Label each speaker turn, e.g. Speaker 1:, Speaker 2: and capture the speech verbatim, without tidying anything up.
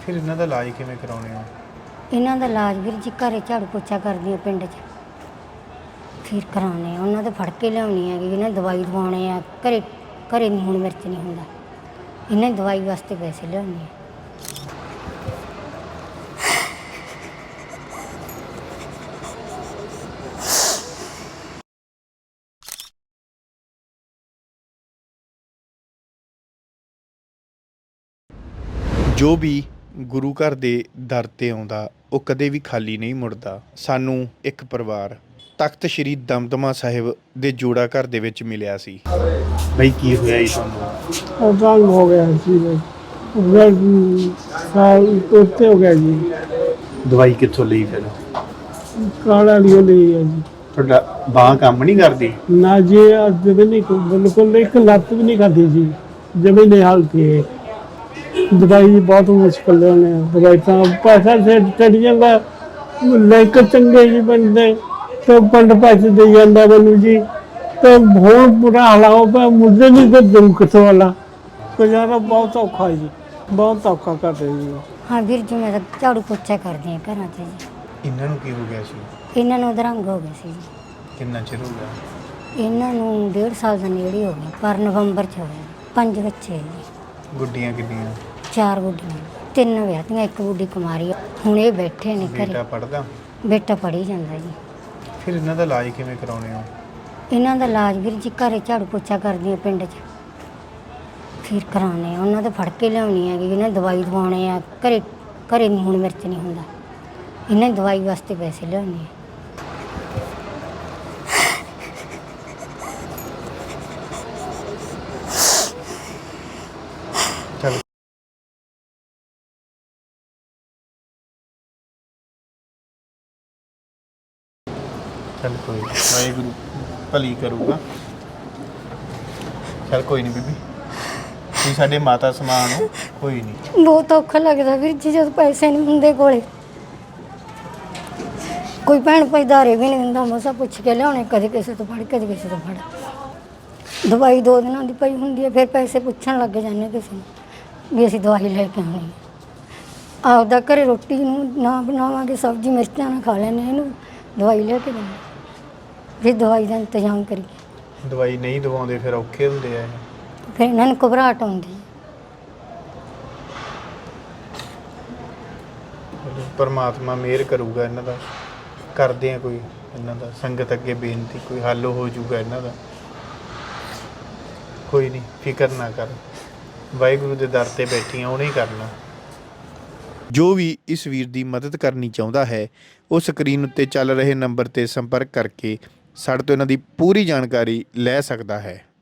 Speaker 1: ਫਿਰ ਇਹਨਾਂ ਦਾ ਇਲਾਜ ਕਿਵੇਂ ਕਰਾਉਣੇ ਆ?
Speaker 2: ਇਹਨਾਂ ਦਾ ਇਲਾਜ ਵੀਰ ਜੀ ਘਰੇ ਝਾੜੂ ਪੋਚਾ ਕਰਦੀਆਂ ਪਿੰਡ 'ਚ, ਫਿਰ ਕਰਾਉਣੇ ਆ। ਉਹਨਾਂ ਦੇ ਫੜ ਕੇ ਲਿਆਉਣੀ ਹੈਗੀ, ਇਹਨਾਂ ਦੀ ਦਵਾਈ ਦਵਾਉਣੇ ਆ। ਘਰੇ ਘਰੇ ਨਹੀਂ ਹੁਣ ਮਿਰਚ ਨਹੀਂ ਹੁੰਦਾ, ਇਹਨਾਂ ਦੀ ਦਵਾਈ ਵਾਸਤੇ ਪੈਸੇ ਲਿਆਉਣੇ ਆ।
Speaker 1: ਜੋ ਵੀ ਗੁਰੂ ਘਰ ਦੇ ਦਰ ਤੇ ਆਉਂਦਾ ਉਹ ਕਦੇ ਵੀ ਖਾਲੀ ਨਹੀਂ ਮੁੜਦਾ। ਸਾਨੂੰ ਇੱਕ ਪਰਿਵਾਰ ਤਖਤ ਸ਼੍ਰੀ ਦਮਦਮਾ ਸਾਹਿਬ ਦੇ ਜੋੜਾ ਘਰ ਦੇ ਵਿੱਚ ਮਿਲਿਆ ਸੀ। ਬਈ ਕੀ ਹੋਇਆ ਜੀ ਤੁਹਾਨੂੰ?
Speaker 3: ਅਕਾਲ ਹੋ ਗਿਆ ਸੀ ਬਈ, ਸਾਲ ਉੱਤੇ ਹੋ ਗਿਆ ਜੀ।
Speaker 1: ਦਵਾਈ ਕਿੱਥੋਂ ਲਈ ਫਿਰ?
Speaker 3: ਕਾਲਾ ਲਿਓ ਲਈ ਹੈ ਜੀ।
Speaker 1: ਤੁਹਾਡਾ ਬਾਂਹ ਕੰਮ ਨਹੀਂ ਕਰਦੀ?
Speaker 3: ਨਾ ਜੀ ਅੱਜ ਵੀ ਨਹੀਂ, ਬਿਲਕੁਲ ਇੱਕ ਲੱਤ ਵੀ ਨਹੀਂ ਖਾਦੀ ਜੀ, ਜਮੀ ਨਹੀਂ ਹਾਲਤੀ ਹੈ। ਦਵਾਈ ਦੀ ਬਹੁਤ ਮੁਸ਼ਕਿਲ ਨੇ, ਦਵਾਈ ਤਾਂ ਪੈਸਾ ਸੇ ਚੜ ਜਾਂਦਾ, ਲੈ ਕੇ ਚੰਗੇ ਜੀ ਬੰਦੇ ਤੇ ਪੰਡ ਪੈਸੇ ਦੇ ਜਾਂਦਾ ਮੈਨੂੰ ਜੀ। ਤੇ ਬਹੁਤ ਬੁਰਾ ਹਾਲ ਹੋ ਪਿਆ, ਮੁੱਦੇ ਨਹੀਂ ਤੇ ਦੁੱਖ ਕਿਥੋਂ ਵਾਲਾ ਗੁਜ਼ਾਰਾ ਬਹੁਤ ਔਖਾ ਜੀ, ਬਹੁਤ ਔਖਾ ਕਰਦੇ ਜੀ।
Speaker 2: ਹਾਂ ਵੀਰ ਜੀ, ਮੈਂ ਤਾਂ ਝਾੜੂ ਪੋਚਾ ਕਰਦੀ ਹਾਂ ਘਰਾਂ 'ਚ ਜੀ।
Speaker 1: ਇਹਨਾਂ ਨੂੰ ਕੀ ਹੋ ਗਿਆ ਸੀ?
Speaker 2: ਇਹਨਾਂ ਨੂੰ ਅਧਰੰਗ ਹੋ ਗਿਆ ਸੀ ਜੀ।
Speaker 1: ਕਿੰਨਾ ਚਿਰ ਹੋ ਗਿਆ?
Speaker 2: ਇਹਨਾਂ ਨੂੰ ਡੇਢ ਸਾਲ ਦਾ ਨੇੜੇ ਹੋ ਗਿਆ, ਪਰ ਨਵੰਬਰ 'ਚ ਹੋਇਆ। ਪੰਜ ਬੱਚੇ ਹੈ ਜੀ।
Speaker 1: ਗੁੱਡੀਆਂ ਕਿੰਨੀਆਂ?
Speaker 2: ਚਾਰ ਗੁੱਡੀਆਂ, ਤਿੰਨ ਵਿਆਹਤੀਆਂ, ਇੱਕ ਗੁੱਡੀ ਕੁਮਾਰੀ ਆ। ਹੁਣ ਇਹ ਬੈਠੇ ਨੇ
Speaker 1: ਬੇਟਾ
Speaker 2: ਘਰੇ।
Speaker 1: ਪੜਦਾ?
Speaker 2: ਬੇਟਾ ਪੜ੍ਹੀ ਜਾਂਦਾ ਜੀ।
Speaker 1: ਫਿਰ ਇਹਨਾਂ ਦਾ ਇਲਾਜ ਕਿਵੇਂ ਕਰਾਉਣੇ ਆ?
Speaker 2: ਇਹਨਾਂ ਦਾ ਇਲਾਜ ਵੀਰ ਜੀ ਘਰੇ ਝਾੜੂ ਪੋਚਾ ਕਰਦੀਆਂ ਪਿੰਡ 'ਚ, ਫਿਰ ਕਰਾਉਣੇ ਆ। ਉਹਨਾਂ ਦੇ ਫੜ ਕੇ ਲਿਆਉਣੀ ਹੈਗੀ, ਇਹਨਾਂ ਦੀ ਦਵਾਈ ਦਵਾਉਣੇ ਆ। ਘਰੇ ਘਰੇ ਨਹੀਂ ਹੁਣ ਮਿਰਚ ਨਹੀਂ ਹੁੰਦਾ, ਇਹਨਾਂ ਦੀ ਦਵਾਈ ਵਾਸਤੇ ਪੈਸੇ ਲਿਆਉਣੇ ਆ।
Speaker 1: ਚੱਲ ਚੱਲ ਕੋਈ ਨੀ, ਵਾਹਿਗੁਰੂ ਭਲੀ ਕਰੂਗਾ। ਚੱਲ ਕੋਈ ਨਹੀਂ ਬੀਬੀ, ਤੁਸੀਂ ਸਾਡੇ ਮਾਤਾ ਸਮਾਨ ਹੋ, ਕੋਈ ਨਹੀਂ।
Speaker 2: ਬਹੁਤ ਔਖਾ ਲੱਗਦਾ ਵੀਰ ਜੀ ਜਦੋਂ ਪੈਸੇ ਨਹੀਂ ਹੁੰਦੇ ਕੋਲੇ। ਕੋਈ ਭੈਣ ਭਾਈ ਧਾਰੇ ਵੀ ਨਹੀਂ ਦਿੰਦਾ, ਮਸਾ ਪੁੱਛ ਕੇ ਲਿਆਉਣੇ, ਕਦੇ ਕਿਸੇ ਤੋਂ ਫੜ ਕਦੇ ਕਿਸੇ ਤੋਂ ਫੜ। ਦਵਾਈ ਦੋ ਦਿਨਾਂ ਦੀ ਪਈ ਹੁੰਦੀ ਹੈ, ਫਿਰ ਪੈਸੇ ਪੁੱਛਣ ਲੱਗ ਜਾਂਦੇ ਕਿਸੇ ਨੂੰ ਵੀ ਅਸੀਂ ਦਵਾਈ ਲੈ ਕੇ ਆਉਣੀ। ਆਪਦਾ ਘਰੇ ਰੋਟੀ ਨੂੰ ਨਾ ਬਣਾਵਾਂਗੇ, ਸਬਜ਼ੀ ਮਿਰਚਾਂ ਨਾਲ ਖਾ ਲੈਂਦੇ, ਇਹਨੂੰ ਦਵਾਈ ਲੈ ਕੇ ਦਿੰਦੇ, ਫਿਰ ਦਵਾਈ ਦਾ ਇੰਤਜ਼ਾਮ ਕਰੀਏ।
Speaker 1: ਦਵਾਈ ਨਹੀਂ ਦਵਾਉਂਦੇ ਫਿਰ ਔਖੇ ਹੁੰਦੇ ਆ।
Speaker 2: ਫਿਰ ਇਹਨਾਂ ਨੂੰ ਘਬਰਾਹਟ ਆਉਂਦੀ ਹੈ।
Speaker 1: ਪਰਮਾਤਮਾ ਮਿਹਰ ਕਰੂਗਾ ਇਹਨਾਂ ਦਾ, ਕਰਦੇ ਆ ਕੋਈ ਇਹਨਾਂ ਦਾ ਸੰਗਤ ਅੱਗੇ ਬੇਨਤੀ, ਕੋਈ ਹੱਲ ਹੋ ਜਾਊਗਾ ਇਹਨਾਂ ਦਾ। ਕੋਈ ਨਹੀਂ, ਫਿਕਰ ਨਾ ਕਰ, ਵਾਹਿਗੁਰੂ ਦੇ ਦਰ ਤੇ ਬੈਠੀਆਂ ਉਹਨੇ ਹੀ ਕਰਨਾ। ਜੋ ਵੀ ਇਸ ਵੀਰ ਦੀ ਮਦਦ ਕਰਨੀ ਚਾਹੁੰਦਾ ਹੈ ਉਹ ਸਕਰੀਨ ਉੱਤੇ ਚੱਲ ਰਹੇ ਨੰਬਰ ਤੇ ਸੰਪਰਕ ਕਰਕੇ ਸਾਡੇ ਤੋਂ ਇਹਨਾਂ ਦੀ ਪੂਰੀ ਜਾਣਕਾਰੀ ਲੈ ਸਕਦਾ ਹੈ।